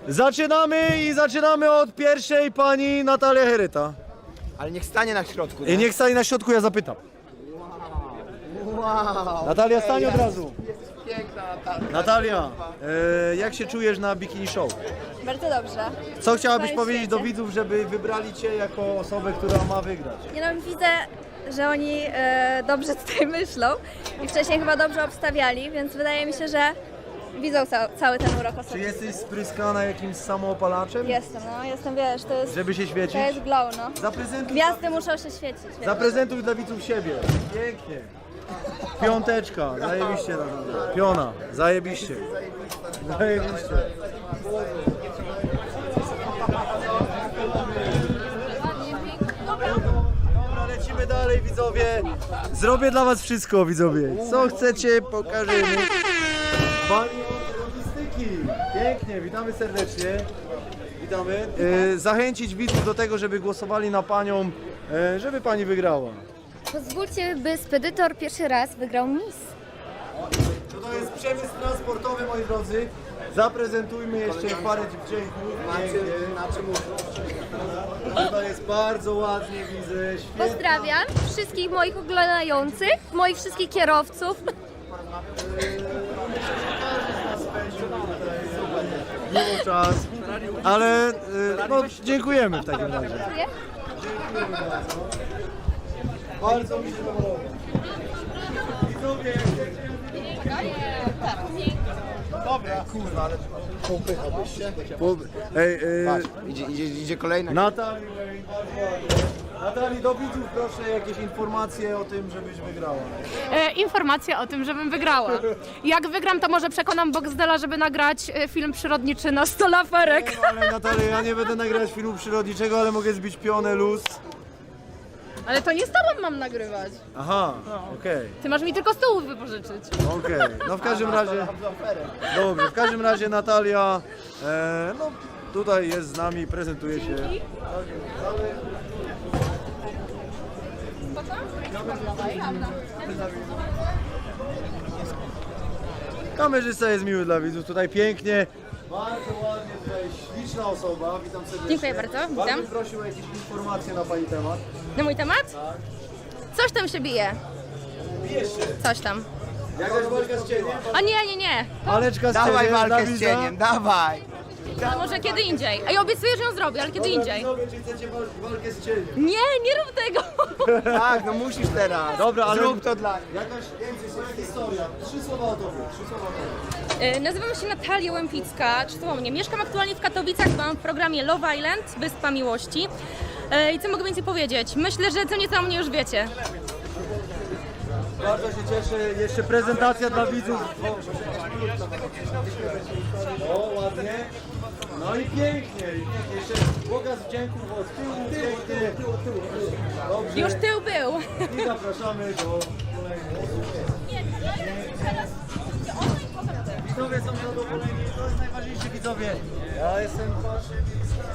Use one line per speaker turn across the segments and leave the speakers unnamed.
Zaczynamy od pierwszej pani Natalia Heryta.
Ale niech stanie na środku.
I niech stanie na środku, ja zapytam.
Wow.
Natalia, stań od razu.
Piękna Natalia.
Natalia, jak się czujesz na Bikini Show?
Bardzo dobrze.
Co chciałabyś
Całe
powiedzieć do
świecie.
widzów, żeby wybrali cię jako osobę, która ma wygrać?
Nie no, widzę, że oni dobrze tutaj myślą i wcześniej chyba dobrze obstawiali, więc wydaje mi się, że widzą cały ten urok
Czy
osoby.
jesteś spryskana jakimś samoopalaczem?
Jestem, wiesz, to jest,
Żeby się świecić?
to jest glow, no.
Zaprezentuj,
Gwiazdy muszą się świecić. Wiesz.
zaprezentuj dla widzów siebie. Pięknie. Piąteczka, zajebiście. Piona, zajebiście. Zajebiście. Dobra, lecimy dalej, widzowie. Zrobię dla was wszystko, widzowie. Co chcecie, pokażemy. Pani od logistyki. Pięknie, witamy serdecznie. Witamy. Zachęcić widzów do tego, żeby głosowali na panią, żeby pani wygrała.
Pozwólcie, by spedytor pierwszy raz wygrał Miss.
To jest przemysł transportowy, moi drodzy. Zaprezentujmy jeszcze parę dziewczynków.
Na czym
Tutaj jest bardzo ładnie, widzę. Świetna.
Pozdrawiam wszystkich moich oglądających, moich wszystkich kierowców.
Miło czas. Ale no, dziękujemy w takim razie. Bardzo mi się podoba. Widzowie,
Dobra, kurwa, ale popychałbyś się.
Ej,
Patrz, idzie kolejna.
Natalii, Natalii, do widzów proszę jakieś informacje o tym, żebyś wygrała.
Informacja o tym, żebym wygrała. Jak wygram, to może przekonam Boxdela, żeby nagrać film przyrodniczy na 100 laferek.
No, ale Natalia, ja nie będę nagrywać filmu przyrodniczego, ale mogę zbić pionę luz.
Ale to nie z tobą mam nagrywać.
Aha, okej.
Ty masz mi tylko stół wypożyczyć.
Okej, no w każdym razie, dobrze, w każdym razie Natalia, no tutaj jest z nami, prezentuje się. Kamerzysta jest miły dla widzów, tutaj pięknie, bardzo ładnie, tutaj śliczna osoba, witam serdecznie.
Dziękuję bardzo, witam.
Bardzo bym prosił o jakieś informacje na pani temat.
Na mój temat? Coś tam się bije.
Bijesz się,
Coś tam.
jakaś walka z cieniem?
A nie.
Paleczka z
Dawaj
cieniem,
walkę z
Dawida.
cieniem, dawaj.
To może kiedy indziej. A ja obiecuję, że ją zrobię, ale kiedy
Dobra,
indziej.
widzowie, czy chcecie walkę z cieniem?
Nie rób tego.
Tak, no musisz teraz.
Dobra, ale
Zrób to dla nich.
jakaś swoja historia. 3 słowa o tobie. 3 słowa o tobie.
Nazywam się Natalia Łępicka, czy to o mnie? Mieszkam aktualnie w Katowicach, byłam w programie Love Island, Wyspa Miłości. I co mogę więcej powiedzieć? Myślę, że co nieco o mnie już wiecie.
Bardzo się cieszę. Jeszcze prezentacja dla widzów. O, ładnie. No i pięknie. Jeszcze pokaz wdzięków od tyłu. Pięknie. Dobrze.
Już tył był.
I zapraszamy do kolejnych. Widzowie są zadowoleni. To jest najważniejsze, widzowie. Ja jestem waszym.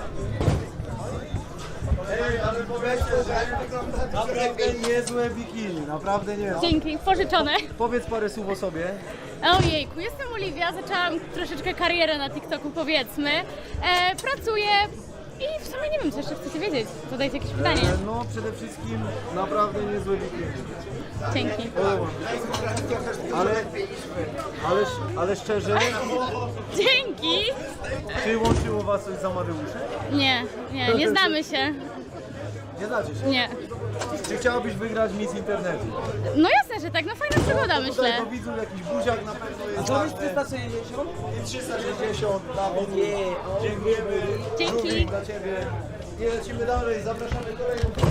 Ej, ale powiedzcie, że naprawdę niezłe bikini, naprawdę nie.
Dzięki, pożyczone.
Powiedz parę słów o sobie.
Ojejku, jestem Oliwia, zaczęłam troszeczkę karierę na TikToku, powiedzmy. Pracuję i w sumie nie wiem, co jeszcze chcecie wiedzieć. Zadajcie jakieś pytanie.
No przede wszystkim naprawdę niezłe bikini.
Dzięki.
Podoba mi się. Ale szczerze,
Dzięki.
czy łączyło was coś z Amadeuszem?
Nie znamy się.
Nie znacie się.
Nie.
Czy chciałabyś wygrać Miss Internetu?
No jasne, że tak, no fajna przygoda, myślę.
Tutaj do widzów jakiś buziak na pewno jest. A 360? I 360 dla widzów. Dziękujemy.
Dzięki.
Również dla ciebie. I lecimy dalej, zapraszamy kolejną osobę.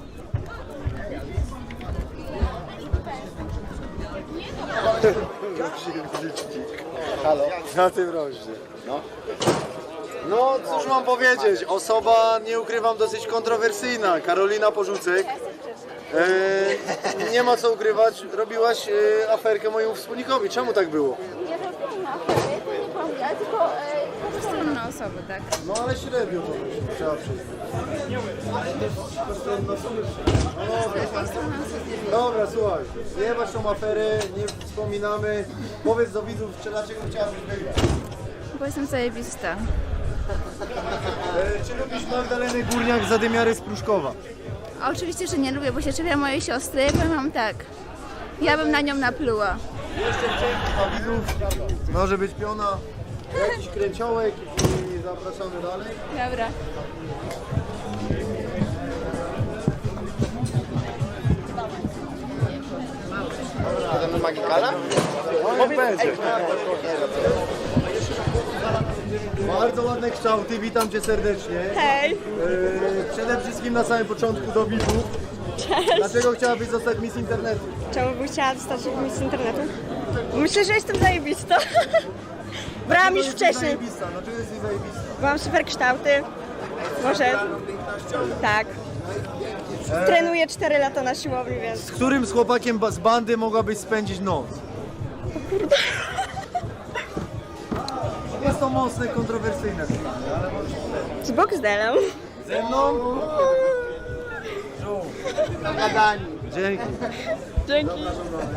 Halo? Na tym rośnie. No cóż mam powiedzieć, osoba, nie ukrywam, dosyć kontrowersyjna, Karolina Porzucek. Nie ma co ukrywać, robiłaś aferkę mojemu wspólnikowi, czemu tak było?
Nie robiłam afery, to nie byłam ja, tylko postronne osoby, tak.
No ale średnio to wyszło, trzeba przyznać. Dobra, słuchaj, zjebać tą aferę, nie wspominamy. Powiedz do widzów, dlaczego chciałabyś wygrać.
Bo jestem zajebista.
Czy lubisz Magdalenę Górniak, zadymiary z Pruszkowa?
A oczywiście, że nie lubię, bo się czepia mojej siostry. Powiem wam tak, ja bym na nią napluła.
Jeszcze wcześniej dla widzów może być piona, jakiś kręciołek i zapraszamy dalej.
Dobra.
Podamy Magikala?
Bardzo ładne kształty, witam Cię serdecznie.
Hej!
Przede wszystkim na samym początku do widzów.
Cześć!
Dlaczego chciałabyś zostać Miss Internetu?
Czemu bym chciała dostać z internetu? Myślę, że jestem zajebista. Brałam już
Dlaczego jesteś
wcześniej.
zajebista? Dlaczego jesteś zajebista?
Mam super kształty. Może... Tak. Trenuję 4 lata na siłowni, więc...
Z którym z chłopakiem z bandy mogłabyś spędzić noc? Jest to mocne, kontrowersyjne pytanie, ale możesz powiedzieć.
Z Boxdelem.
Ze mną?
Gadani.
Dzięki.
Dzięki.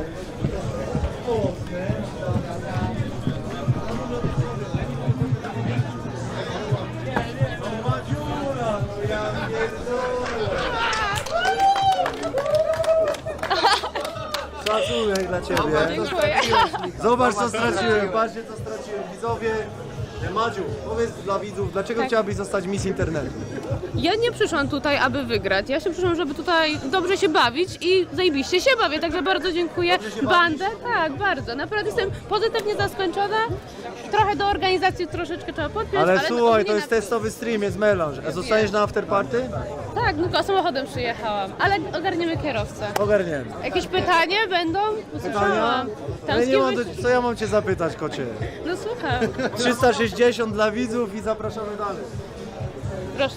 Szacunek dla Ciebie. Zobacz co straciłem, patrzcie co straciłem. Widzowie, Madziu, powiedz dla widzów, dlaczego chciałabyś zostać Miss Internetu?
Ja nie przyszłam tutaj, aby wygrać. Ja się przyszłam, żeby tutaj dobrze się bawić i zajebiście się bawię, także bardzo dziękuję.
Dobrze się
Bandę, tak, bardzo. Naprawdę jestem pozytywnie zaskoczona. Trochę do organizacji troszeczkę trzeba podpiąć,
Ale
ale
słuchaj, to
ogólnie
jest testowy stream, jest melanż. A zostaniesz na afterparty?
Tak, tylko samochodem przyjechałam, ale ogarniemy kierowcę.
Ogarniemy.
Jakieś pytanie będą?
Pytania?
Usłyszałam. Tam
Ale
z
nie
kim
mam
byś...
co ja mam Cię zapytać, kocie?
No słucham,
360 dla widzów i zapraszamy dalej.
proszę.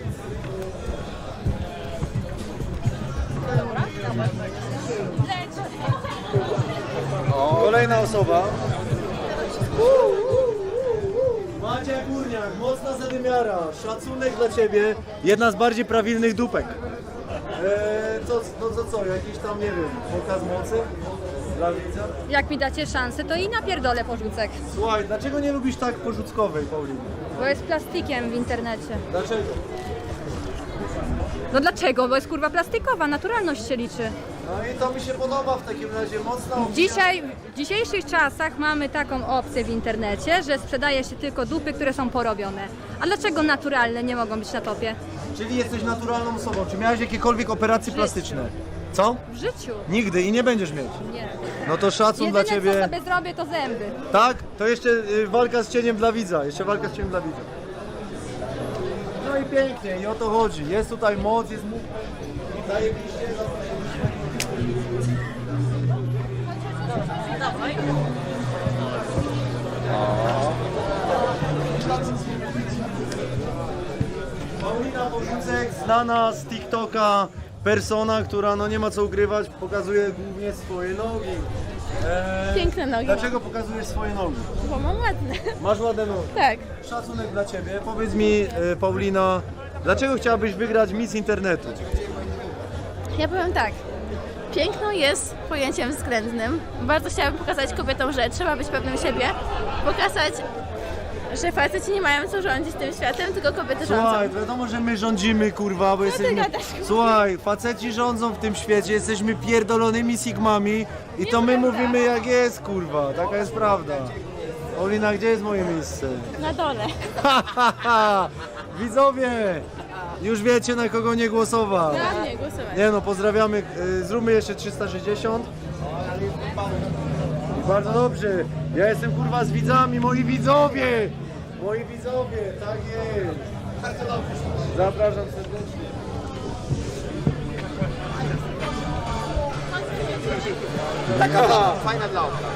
Kolejna osoba. Macia Górniak, mocna zadymiara, szacunek dla Ciebie, jedna z bardziej prawilnych dupek. Co, jakiś tam, nie wiem, pokaz mocy dla widza?
Jak mi dacie szansę, to i napierdolę porzucek.
Słuchaj, dlaczego nie lubisz tak porzuckowej, Paulina?
Bo jest plastikiem w internecie.
Dlaczego?
No dlaczego? Bo jest kurwa plastikowa, naturalność się liczy.
No i to mi się podoba w takim razie, mocna opinia.
W dzisiejszych czasach mamy taką opcję w internecie, że sprzedaje się tylko dupy, które są porobione. A dlaczego naturalne nie mogą być na topie?
Czyli jesteś naturalną osobą, czy miałeś jakiekolwiek operacje plastyczne? Co?
W życiu.
Nigdy i nie będziesz mieć.
Nie.
No to szacun dla
Jedyne
Ciebie.
co sobie zrobię to zęby.
Tak? To jeszcze walka z cieniem dla widza. Jeszcze walka z cieniem dla widza. No i pięknie, i o to chodzi. Jest tutaj moc, jest mógł. Zajebiście. Paulina Porzucek, znana z TikToka persona, która no nie ma co ukrywać, pokazuje głównie swoje nogi.
Piękne nogi.
Dlaczego pokazujesz swoje nogi?
Bo mam ładne.
Masz ładne nogi.
Tak.
Szacunek dla Ciebie. Powiedz mi, Paulina, dlaczego chciałabyś wygrać Miss Internetu?
Ja powiem tak. Piękno jest pojęciem względnym. Bardzo chciałabym pokazać kobietom, że trzeba być pewnym siebie. Pokazać, że faceci nie mają co rządzić tym światem, tylko kobiety rządzą.
Słuchaj, wiadomo, że my rządzimy, kurwa, bo jesteśmy...
gadasz,
Słuchaj, faceci rządzą w tym świecie, jesteśmy pierdolonymi sigmami i to my mówimy jak jest, kurwa, taka jest prawda. Paulina, gdzie jest moje miejsce?
Na dole.
Widzowie, już wiecie na kogo nie głosować.
Na mnie głosować.
Nie no, pozdrawiamy, zróbmy jeszcze 360. Bardzo dobrze, ja jestem kurwa z widzami, moi widzowie! Moi widzowie, tak jest. Zapraszam serdecznie.
Taka fajna dla oka.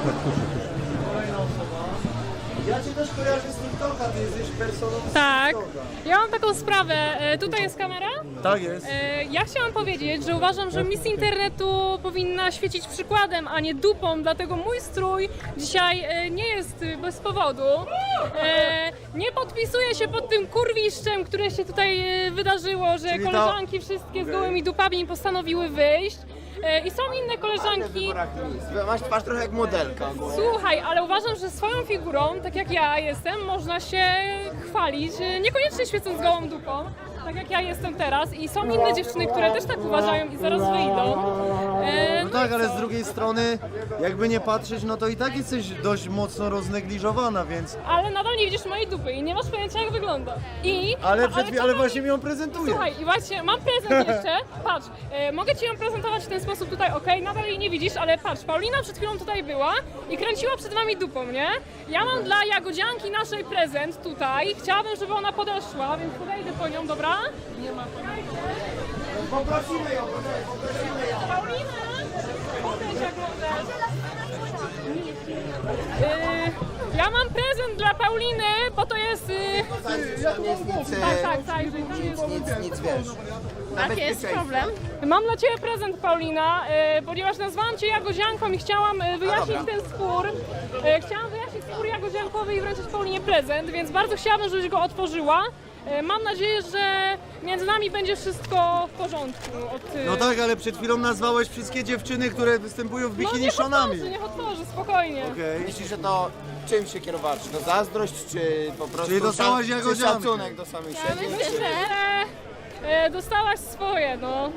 Ja Cię też kojarzę z TikToka, Ty jesteś personą z
Tak.
TikToka.
Ja mam taką sprawę. Tutaj jest kamera.
Tak jest.
Ja chciałam powiedzieć, że uważam, że Miss Internetu powinna świecić przykładem, a nie dupą, dlatego mój strój dzisiaj nie jest bez powodu. Nie podpisuję się pod tym kurwiszczem, które się tutaj wydarzyło, że
Czyli ta-
koleżanki wszystkie z
Okej.
gołymi dupami postanowiły wyjść. I są inne koleżanki.
Masz twarz trochę jak modelka.
Słuchaj, ale uważam, że swoją figurą, tak jak ja jestem, można się pochwalić, niekoniecznie świecąc gołą dupą, tak jak ja jestem teraz i są inne dziewczyny, które też tak uważają i zaraz wyjdą.
No tak, ale z drugiej strony, jakby nie patrzeć, no to i tak jesteś dość mocno roznegliżowana, więc...
Ale nadal nie widzisz mojej dupy i nie masz pojęcia jak wygląda.
Ale właśnie mi ją prezentujesz.
Słuchaj, i właśnie mam prezent jeszcze, patrz, mogę Ci ją prezentować w ten sposób tutaj, okej, nadal jej nie widzisz, ale patrz, Paulina przed chwilą tutaj była i kręciła przed Wami dupą, nie? Ja mam dla Jagodzianki naszej prezent tutaj, chciałabym, żeby ona podeszła, więc podejdę po nią, dobra? Nie ma
Poprosimy ją,
Paulina, podejdź jak możesz. Ja mam prezent dla Pauliny, bo to jest... Tak,
Nic wiesz.
Jaki jest problem?
Mam dla Ciebie prezent, Paulina, ponieważ nazwałam Cię Jagodzianką i chciałam wyjaśnić ten spór. Chciałam wyjaśnić spór jagodziankowy i wręczyć Paulinie prezent, więc bardzo chciałabym, żebyś go otworzyła. Mam nadzieję, że między nami będzie wszystko w porządku.
No tak, ale przed chwilą nazwałeś wszystkie dziewczyny, które występują w bikini
niech
szonami.
niech otworzy, spokojnie.
Okej.
Myślisz, że to czym się kierowałeś? Czy to zazdrość, czy po prostu
Czyli dostałaś
czy
jagodziankę?
szacunek do samej siebie?
Myślę, że dostałaś swoje, no.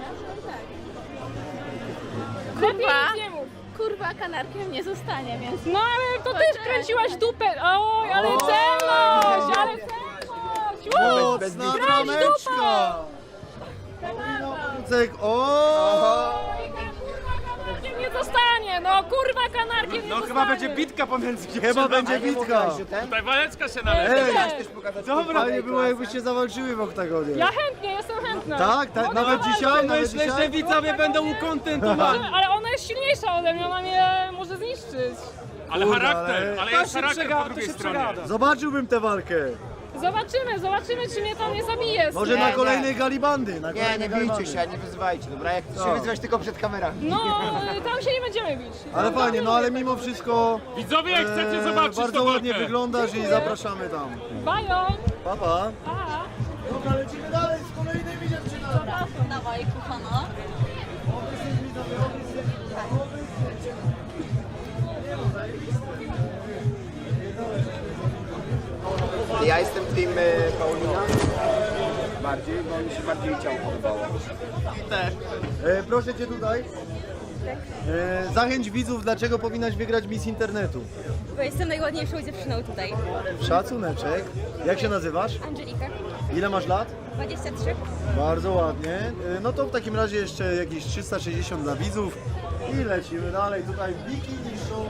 Lepiej nic nie mów.
Kurwa, kanarkiem nie zostanie, więc...
No ale to też kręciłaś dupę. Oj, ale celność, ale celność.
Mocna brameczka! Kucek, o!
Kanarkiem nie zostanie, no kurwa kanarkiem nie zostanie.
Chyba będzie bitka pomiędzy
Chyba będzie bitka.
Tutaj waleczka się należy.
Ej,
Dobra.
fajnie było jakbyście zawalczyły w oktagonie.
Ja chętnie, jestem chętna.
Tak, tak, nawet dzisiaj, nawet
Myślę, że
dzisiaj.
widzowie będą ukontentowani.
Ale ona jest silniejsza ode mnie, ona mnie może zniszczyć.
Ale
Kurde,
charakter, ale jest charakter po
to
drugiej
się
stronie.
przegada.
Zobaczyłbym tę walkę.
Zobaczymy, czy mnie tam nie zabije.
Może na kolejnej galibandy. Na
Nie,
kolejnej
nie
galibandy.
bijcie się, nie wyzywajcie, dobra? Jak
No.
się wyzywać tylko przed kamerami.
No, tam się nie będziemy bić.
Ale fajnie, no ale mimo wszystko
Widzowie, jak chcecie zobaczyć
bardzo
to
ładnie
walkę.
wyglądasz i zapraszamy tam.
Bajo!
Pa, pa.
Pa!
Dobra, lecimy dalej z kolejnymi dziewczynami.
Dawaj, kochana.
Ja jestem team Paulina. Bardziej, bo mi się bardziej ciało podobało.
Proszę Cię tutaj. Zachęć widzów, dlaczego powinnaś wygrać Miss Internetu.
Bo jestem najładniejszą dziewczyną tutaj.
Szacuneczek. Jak się nazywasz?
Angelika,
Ile masz lat?
23.
Bardzo ładnie. No to w takim razie jeszcze jakieś 360 dla widzów. I lecimy dalej. Tutaj bikini show.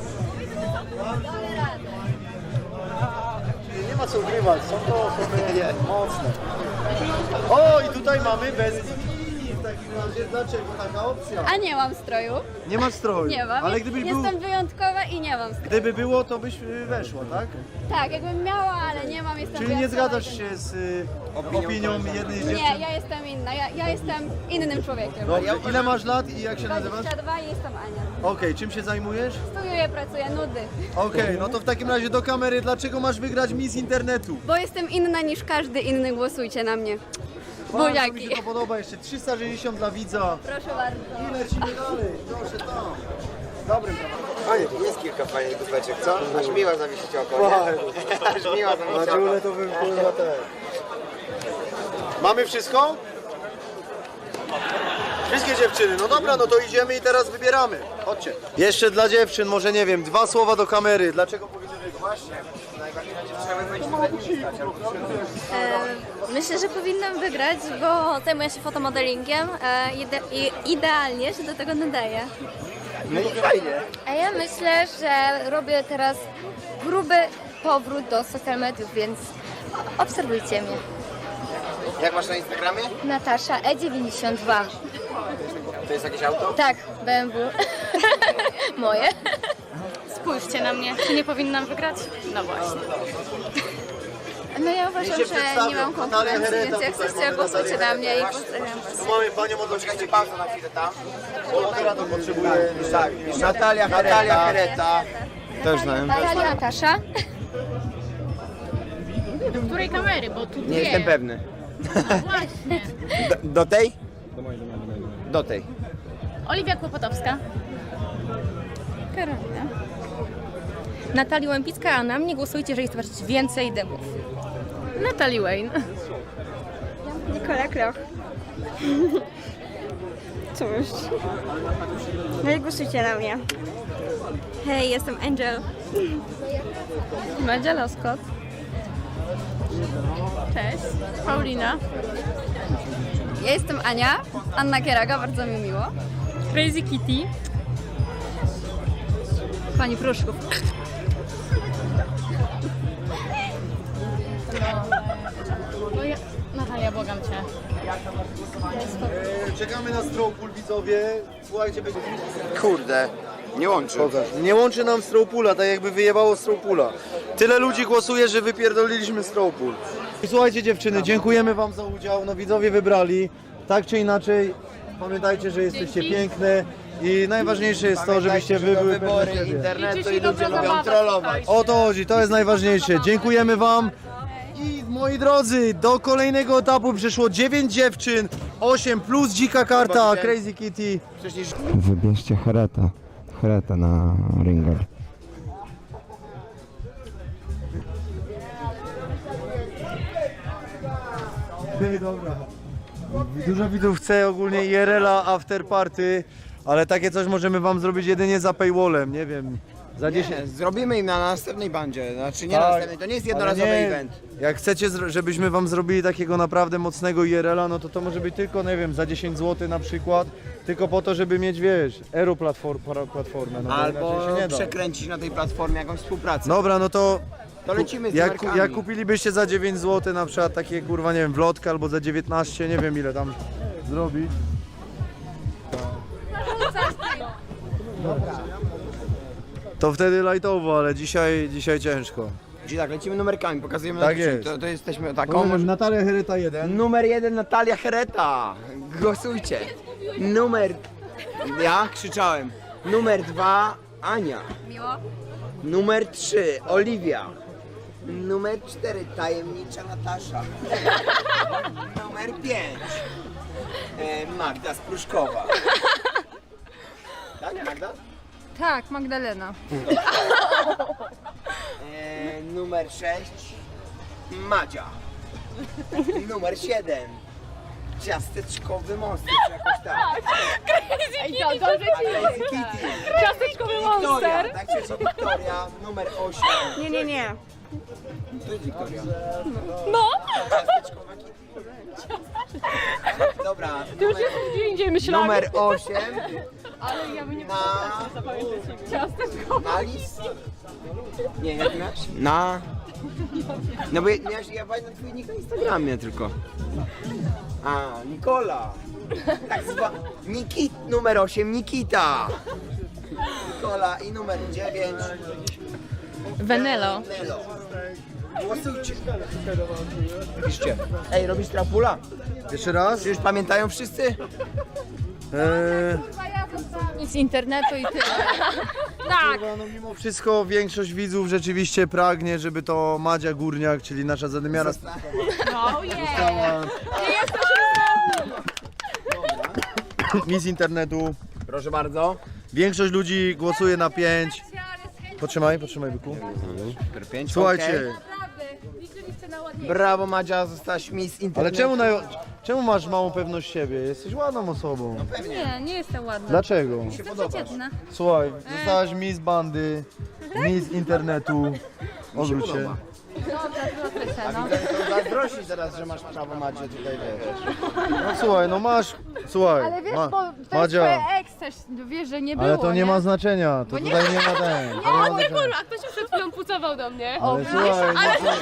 Czyli nie ma co ukrywać, są to osoby mocne. O, i tutaj mamy bez bikini. W takim razie dlaczego taka opcja?
A nie mam stroju.
Nie ma stroju.
Nie mam.
Ale gdybyś był,
Jestem wyjątkowa i nie mam stroju.
gdyby było, to byś weszła, tak?
Tak, jakbym miała, ale nie mam, jestem
Czyli nie
wyjątkowa.
zgadzasz się z opinią jednej z dziewczyn?
Nie, ja jestem inna. Ja jestem innym człowiekiem.
Dobrze, ile masz lat i jak się nazywasz?
22 i jestem Ania.
Okej, czym się zajmujesz?
Studiuję, pracuję, nudy.
Okej, no to w takim razie do kamery, dlaczego masz wygrać Miss Internetu?
Bo jestem inna niż każdy inny, głosujcie na mnie.
Bardzo mi
Buziaki.
się to podoba, jeszcze 360 dla widza.
Proszę bardzo.
I lecimy dalej, proszę tam.
Dobrym Fajnie, jest kilka fajnych dupeczek, co? Aż miła zawiesić oko, nie? Aż miła
Na
zawiesić oko.
czule to bym kurwa też. Mamy wszystko? Wszystkie dziewczyny, no dobra, no to idziemy i teraz wybieramy. Chodźcie. Jeszcze dla dziewczyn, może nie wiem, 2 słowa do kamery. Dlaczego powinny wygrać?
Właśnie, najbardziej na dziewczynę będzie tutaj stać, ale
Myślę, że powinnam wygrać, bo zajmuję się fotomodelingiem i idealnie się do tego nadaję.
no i fajnie.
A ja myślę, że robię teraz gruby powrót do social mediów, więc obserwujcie mnie.
Jak masz na Instagramie?
Natasza E92.
To jest jakieś auto?
Tak, BMW. Moje.
Spójrzcie na mnie. Czy nie powinnam wygrać? No właśnie.
No ja uważam,
się
że
przedstawią.
nie mam
Natalia
konkurencji,
Hereta
więc jak
tutaj
chcecie,
mamy,
głosujcie
Natalia
na mnie i
Hereta.
pozdrawiam was.
Tu mamy panią od
Poczekajcie pauzę na chwilę tam.
Bo operator potrzebuje...
Tak, Natalia Hereta. Też znałem.
Natasza.
Do której kamery? Bo tu
Nie
dwie.
jestem pewny.
Właśnie.
Do tej? Do tej.
Oliwia Kłopotowska.
Natalia Łępicka, a na mnie głosujcie, jeżeli chcecie zobaczyć więcej dymów.
Natalie Wayne.
Nikola Kloch. Cóż. No i głosujcie na mnie.
Hej, jestem Angel.
Madzia Loskot. Cześć. Paulina.
Ja jestem Ania. Anna Kieraga, bardzo mi miło.
Crazy Kitty.
Pani Pruszków.
Natalia, błagam cię.
Czekamy na Strawpool, widzowie. Słuchajcie, będzie...
Kurde, nie łączy.
Pokaż. Nie łączy nam Strawpoola, tak jakby wyjebało Strawpoola. Tyle ludzi głosuje, że wypierdoliliśmy Strawpool. I słuchajcie dziewczyny, dziękujemy wam za udział. No widzowie wybrali. Tak czy inaczej, pamiętajcie, że jesteście piękne. I najważniejsze jest to, żebyście wy były pewne
wybory
siebie.
internetu i ludzie lubią trollować.
O to chodzi, to jest najważniejsze. Dziękujemy wam. I moi drodzy, do kolejnego etapu przyszło 9 dziewczyn, 8 plus dzika karta, Crazy Kitty.
Wybierzcie Hereta na Ringer.
Dobra. Dużo widzów chce ogólnie IRL-a after party, ale takie coś możemy wam zrobić jedynie za paywallem, nie wiem. Za 10.
Zrobimy im na następnej bandzie, znaczy nie
Tak,
na następnej, to nie jest jednorazowy
ale nie,
event.
Jak chcecie, żebyśmy wam zrobili takiego naprawdę mocnego IRL-a, no to może być tylko, nie wiem, za 10 zł na przykład, tylko po to, żeby mieć, wiesz, platformę. No bo
Albo
inaczej się nie da.
przekręcić na tej platformie jakąś współpracę.
Dobra, no to
To lecimy z
jak
numerkami.
jak kupilibyście za 9 zł na przykład takie, kurwa, nie wiem, wlotkę albo za 19, nie wiem ile tam zrobić. To wtedy lightowo, ale dzisiaj ciężko.
Czyli tak, lecimy numerkami, pokazujemy
Tak
na
jest.
To jesteśmy taką.
Natalia Hereta 1.
Numer 1 Natalia Hereta. Głosujcie. Numer... Ja krzyczałem. Numer 2 Ania.
Miło.
Numer 3 Oliwia. Numer 4 tajemnicza Natasza. Numer 5 Magda Spruszkowa. Tak, Magda?
Tak, Magdalena.
Numer 6 Madzia. Numer 7 Ciasteczkowy monster, czy jakoś tak.
Ej, to dobrze ci
Kitty.
Ciasteczkowy
Wiktoria,
monster.
tak się Wiktoria. Numer 8.
Nie.
To jest Wiktoria.
No,
Ciasteczkowa Kitty. Dobra,
to już jest gdzie indziej myślałam.
numer 8
Ale ja bym nie
na...
Ciasteczkowy.
Na lis? Nie, jak miałeś? No bo miałeś, ja pamiętam twój nick na Instagramie tylko. A, Nikola. Tak zwa... Numer 8 Nikita. Nikola i numer 9
Venelo.
Nelo. Głosujcie. Piszcie. Ej, robisz trapula?
Jeszcze raz?
Czy już pamiętają wszyscy?
Z internetu i tyle.
Kurwa, no mimo wszystko większość widzów rzeczywiście pragnie, żeby to Madzia Górniak, czyli nasza zadymiara została. Miss internetu.
Proszę bardzo.
Większość ludzi głosuje na 5. Potrzymaj, byku.
Numer 5.
Słuchajcie,
Brawo Madzia, zostałaś Miss
ale
Internetu.
czemu masz małą pewność siebie? Jesteś ładną osobą.
Nie jestem ładna.
Dlaczego?
Przeciętna.
Słuchaj, zostałaś Miss Bandy, Miss internetu. Odwróć się.
Zazdrościsz teraz, że masz prawo Madzie tutaj, wiesz.
No słuchaj, no masz. Słuchaj,
Ale wiesz, bo to jest
Madzia,
twoja ex też, wiesz, że nie było,
ale to nie ma znaczenia. To tutaj nie ma ten. to nie ma znaczenia.
A ktoś przed chwilą pucował do mnie.
Ale słuchaj,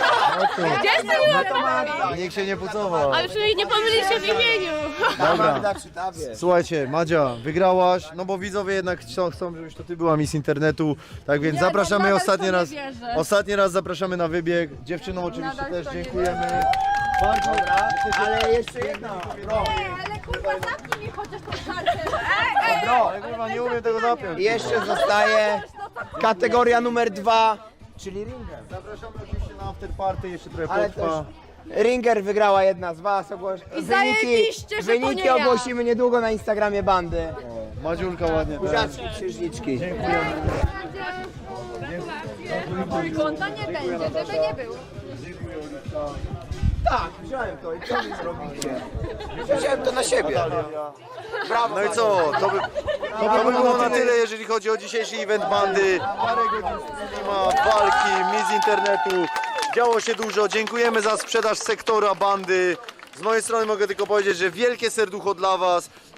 Magda.
niech się nie pucował.
Ale przynajmniej nie pomylisz się w imieniu.
Dobra.
Magda przy tobie.
Słuchajcie, Madzia, wygrałaś, no bo widzowie jednak chcą, żebyś to ty była Miss Internetu, tak więc zapraszamy
nadal
ostatni
w to nie
raz.
wierzę.
Ostatni raz zapraszamy na wybieg. Dziewczynom oczywiście
Nadal w
też
to nie
dziękujemy. Bardzo
Ale jeszcze jedna.
Ale kurwa, zamknij mi chociaż tą kartę.
ale kurwa nie umiem tego zapiąć.
I jeszcze zostaje kategoria numer 2, czyli Ringer.
Zapraszamy oczywiście na after party, jeszcze trochę
Ale
potrwa.
Ringer wygrała jedna z was.
zajebiście, że to
Wyniki
nie ja.
ogłosimy niedługo na Instagramie bandy.
Madziulka ładnie tak.
Buziaczki, księżniczki.
Konta nie będzie, żeby nie było.
Tak, wziąłem to i co wy zrobicie? Wziąłem to na siebie. Brawo.
No i co? To by było na tyle, jeżeli chodzi o dzisiejszy event bandy. Parę godzin streama, walki, miss internetu. Działo się dużo. Dziękujemy za sprzedaż sektora bandy. Z mojej strony mogę tylko powiedzieć, że wielkie serducho dla was.